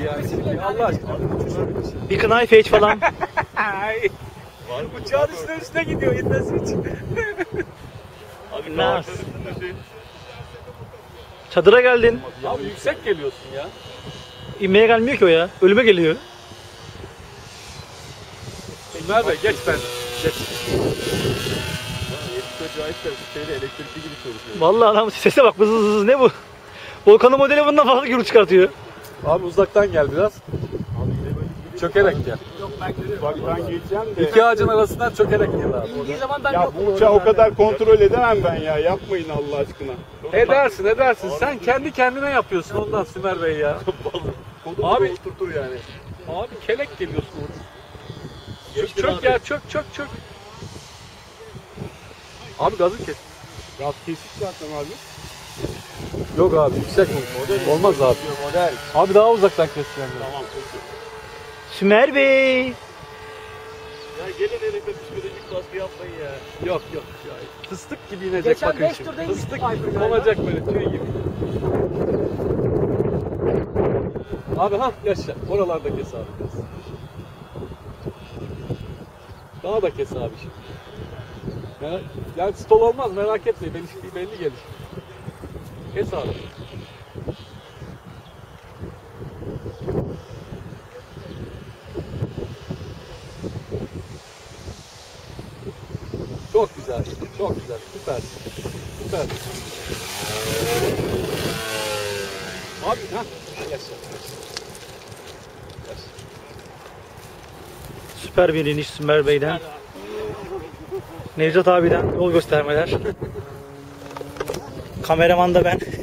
yani şimdi Allah aşkına. Bir knife edge falan. Uçağın üstüne gidiyor inmesi için. Abi Nasıl? Çadıra geldin. Abi yüksek geliyorsun ya. İnmeye gelmiyor ki o ya. Ölüme geliyor. Ömer Bey geç ben. Geç. Acayip de şeyde elektrikli gibi çalışıyor. Vallahi adam sese bak vız vız vız ne bu? Volkan'ın modeli bundan fazla gürültü çıkartıyor. Abi uzaktan gel biraz. Çökerek gel. Bak ben geçeceğim de. İki ağacın arasından çökerek gel abi. İndiği zaman ben Ya bu uçağı o kadar kontrol edemem ben ya. Yapmayın Allah aşkına. Edersin. Sen kendi kendine yapıyorsun ondan Sümer Bey ya. Abi Oturtur yani. abi kelek geliyorsun orada. Çök ya çök. Abi gazı kes. Gaz kesik zaten abi. Yok abi yüksek mi? Olmaz abi. Model. Abi daha uzaktan keseceğim. Tamam peki. Sümer Bey. Ya gelin elimde psikolojik baskı yapmayın ya. Yok. Ya, fıstık gibi inecek Geçen bakın beş şimdi. turda Fıstık indik Ayfer gibi galiba. olacak böyle tüy gibi. Abi yaşa. Oralarda kes abi. Kes. Daha da kes abi şimdi. Yani stol olmaz merak etmeyin. Belli gelir. Kes abi. Çok güzel. Süpersin. Abi yaşa. Süper bir iniş Sümer Bey'den. Nevzat abiden yol göstermeler. Kameraman da ben.